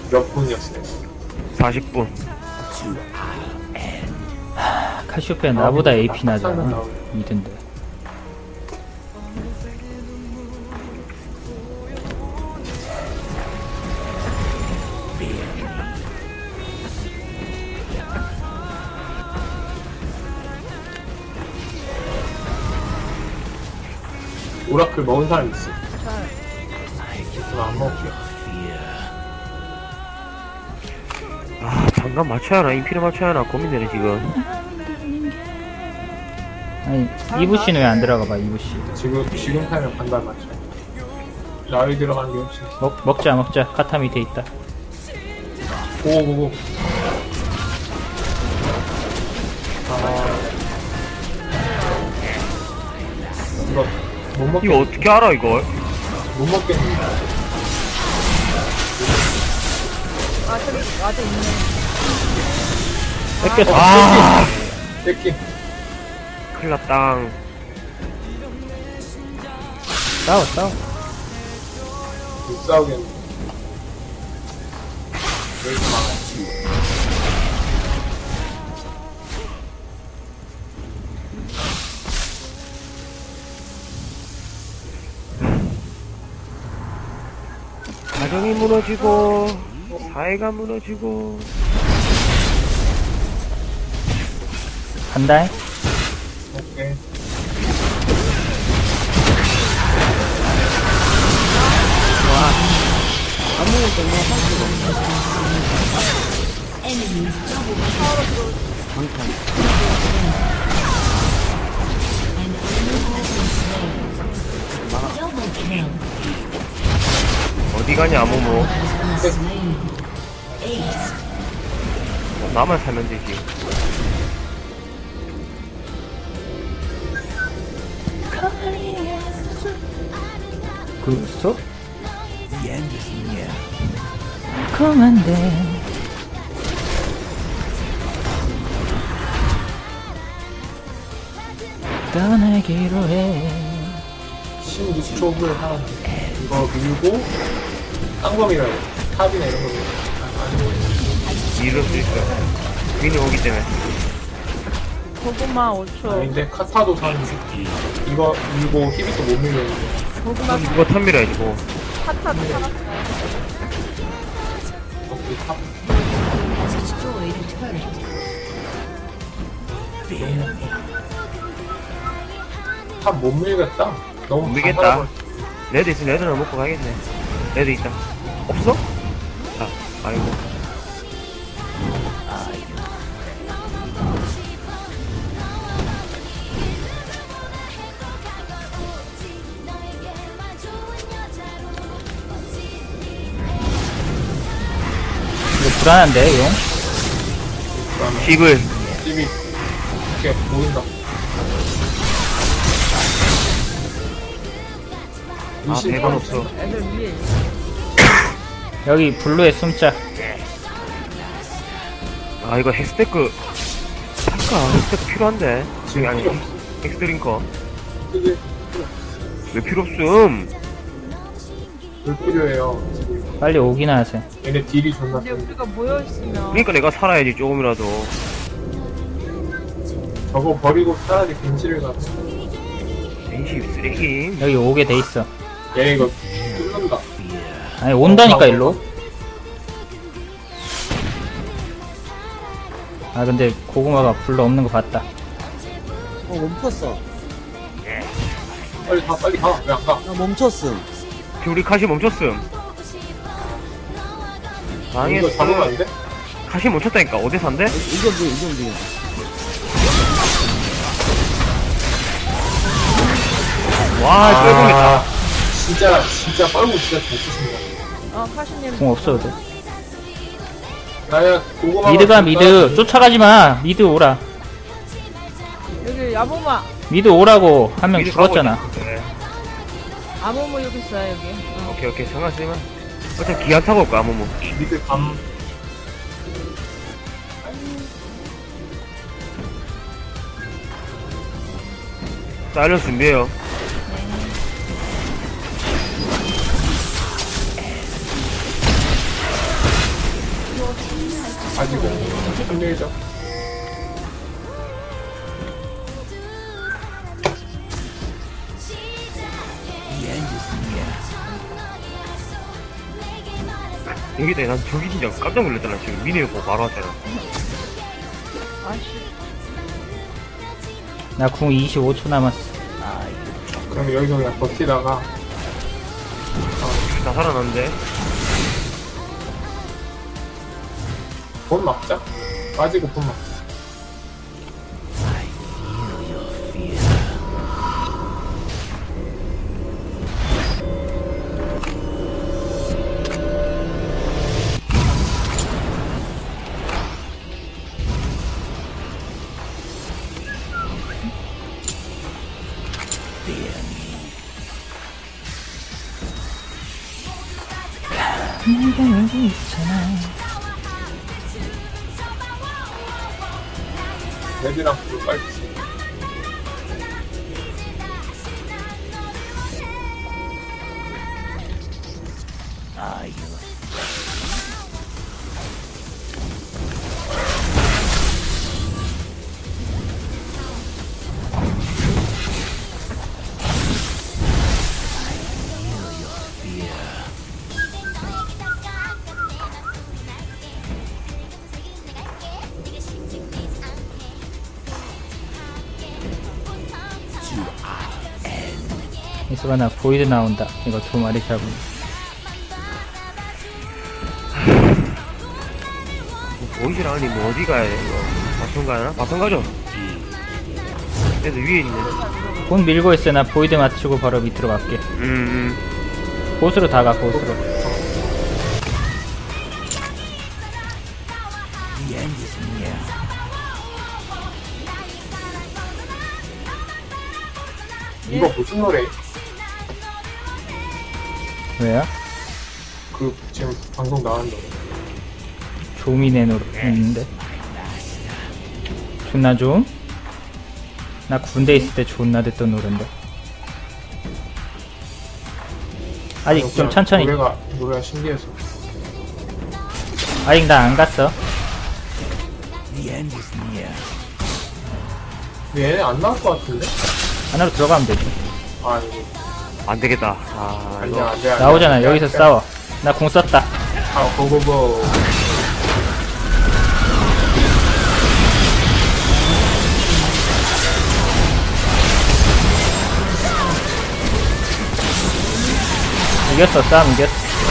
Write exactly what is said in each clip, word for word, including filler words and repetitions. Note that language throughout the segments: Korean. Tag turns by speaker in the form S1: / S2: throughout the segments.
S1: 몇 분이었어요?
S2: 사십 분.
S3: 카시오페아 나보다 에이피 나잖아. 미든데.
S1: 오라클 먹은 사람 있어? 저는 안 먹을게요.
S2: 아, 장갑 맞춰야 하나, 인피를 맞춰야 하나 고민되네, 지금.
S3: 아니, 이브씨는 왜 안 들어가봐, 이브씨.
S1: 지금, 지금 타면 반달 맞춰. 라위 들어가는 게 훨씬.
S3: 먹, 먹자, 먹자. 카타 밑에 있다.
S1: 오오오. 아. 이거, 못 먹겠,
S2: 이거 어떻게 알아, 이걸?
S1: 못 먹겠는데.
S4: 아, 저기, 아직 있네.
S3: 뺏겼어.
S2: 아,
S1: 뺏기.
S2: 큰일 났당.
S3: 싸워, 싸워.
S1: 못 싸우겠네. 왜 이렇게 많아?
S2: 가정이 무너지고, 사회가 무너지고.
S3: 간다.
S1: 오케이.
S2: 어디 가냐, 아무모. 나만 살면 되지.
S3: 그랬어? 그만돼. 떠나기로 해.
S1: 십육 초 후에 하나. 이거 밀고, 딴 거 밀어요. 탑이나 이런 거 밀어요.
S2: 밀을 수 있어. 괜히 오기 때문에.
S4: 고구마 오 초.
S1: 아닌데, 카타도 사는데. 이거 밀고 히비도 못 밀렸는데.
S4: 고구마
S2: 이거 탑 밀어야지, 뭐.
S4: 파타도 살았어요.
S1: 오케이, 탑. 탑 못 밀겠다. 너무
S2: 못 밀겠다.
S1: 다 살아버렸어.
S2: 레드 있으면 레드는 먹고 가겠네. 레드 있다. 없어? 아, 아이고.
S3: 이거 불안한데, 용?
S2: 씹을.
S1: 집이 이렇게 보인다.
S2: 아, 배가 없어.
S4: 애들 위에 있어.
S3: 여기 블루에 숨자.
S2: 아, 이거 헥스테크. 살까? 헥스테크 필요한데.
S1: 지금
S2: 아니,
S1: 필요 없어.
S2: 엑스드링커.
S1: 그게
S2: 왜 필요 없음?
S1: 불 필요해요. 지금
S3: 빨리 오기나 하세요.
S1: 얘네 딜이 존나
S4: 근데
S1: 세.
S4: 우리가 모여있으면.
S2: 그러니까 내가 살아야지, 조금이라도.
S1: 저거 버리고 차라리 벤치를 가서.
S2: 벤시 쓰레기.
S3: 여기 오게 돼 있어.
S1: 얘 이거 뚫는다.
S3: 아니, 온다니까, 일로. 아, 근데 고구마가 블루 없는 거 봤다.
S5: 어 멈췄어.
S1: 빨리 가, 빨리 가. 왜 안 가?
S5: 나 멈췄음.
S2: 지금 우리 카시 멈췄음. 망했어.
S1: 이거 잡으면 안 돼?
S2: 카시 멈췄다니까. 어디서 안 돼?
S5: 이건 뭐 이건 뭐.
S2: 와, 쩔궁했다.
S1: 진짜, 진짜 뻘고 진짜 잘 쓰신다.
S4: 어, 카시님.
S3: 공 없어도 돼.
S1: 나야 고구마.
S3: 미드가 미드. 쫓아가지 마. 미드 오라.
S4: 여기 야모마.
S3: 미드 오라고 한 명
S2: 미리 가고
S3: 죽었잖아.
S2: 있다. 네.
S4: 아모모 여기 있어요, 여기. 어.
S2: 오케이, 오케이. 상관없지만. 어차피 기한 타고 올까, 아무모.
S1: 미드 감.
S2: 사일런스 준비해요.
S1: 가지고 힘들죠.
S2: 여기다 난 저기 진짜 깜짝 놀랐잖아. 지금 미니어 보고 바로 왔잖아.
S4: 아씨.
S3: 나 궁 이십오 초 남았어.
S1: 그럼 여기서 그냥 버티다가
S2: 다 살아났는데.
S1: 본 막자. 빠지고 본 막자.
S3: 내가 여기 있잖아.
S1: 레드랑 블루 빨지.
S3: 이수가 나 보이드 나온다. 이거 두 마리 잡으면.
S2: 보이질 않으니 뭐 어디 가야 돼, 이거? 바텀 가나? 바텀 가죠? 그래도 위에 있네.
S3: 곧 밀고 있어. 나 보이드 맞추고 바로 밑으로 갈게.
S2: 음, 음.
S3: 보스로 다가, 보스로.
S1: 이거 무슨 노래?
S3: 왜요?
S1: 그 지금 방송 나간 노래.
S3: 조미네 노래 있는데. 존나 좀? 나 군대 있을 때 존나 듣던 노랜데. 아직 좀
S1: 그냥
S3: 천천히.
S1: 노래가 노래가 신기해서.
S3: 아직 나 안 갔어.
S1: 근데 얘네 안 나올 것 같은데?
S3: 안으로 들어가면 되지.
S1: 아 이거
S2: 안 되겠다. 아,
S1: 아니야
S2: 이거.
S1: 안돼.
S3: 나오잖아. 여기서 싸워. 나 궁 썼다.
S1: 아 고고고.
S3: 이겼어. 싸움 이겼어.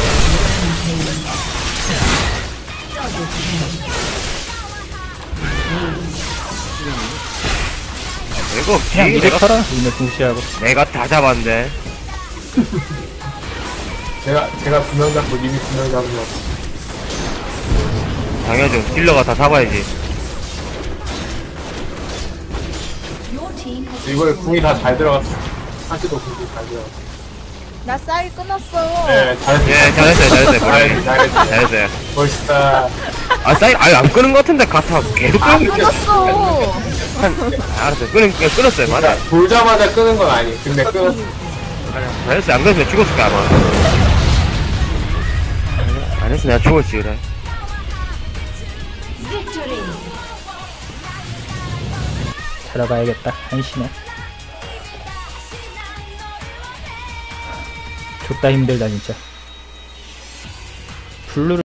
S2: 이거
S3: 그냥
S2: 뒤에
S3: 미드
S2: 내가,
S3: 털어. 이네 궁시하고.
S2: 내가 다 잡았는데.
S1: 제가 제가 두 명 잡고 님이 두 명 잡으면
S2: 당연하죠. 딜러가 다 잡아야지.
S1: 이거에 궁이 다 잘 들어갔어. 사실도 궁이 잘 들어갔어.
S4: 나 쌀 끊었어.
S1: 네 잘했어.
S2: 예, 잘했어요, 잘했어요.
S1: 잘했어 잘했어.
S2: 잘했어요.
S1: 멋있다.
S2: 아, 사이, 아니, 안 끄는 것 같은데, 가타 계속
S4: 안
S2: 끄는 거.
S4: 끊었어.
S2: 알았어요. 끄는, 그냥 끊었어요. 맞아.
S1: 돌자마자 끄는 건 아니. 근데 끊었어.
S2: 잘했어요. 안 그랬으면 죽었을 거야, 아마. 안 했으면 내가 죽었지, 그래.
S3: 자러 가야겠다. 한시네. 족다 힘들다 진짜. 블루를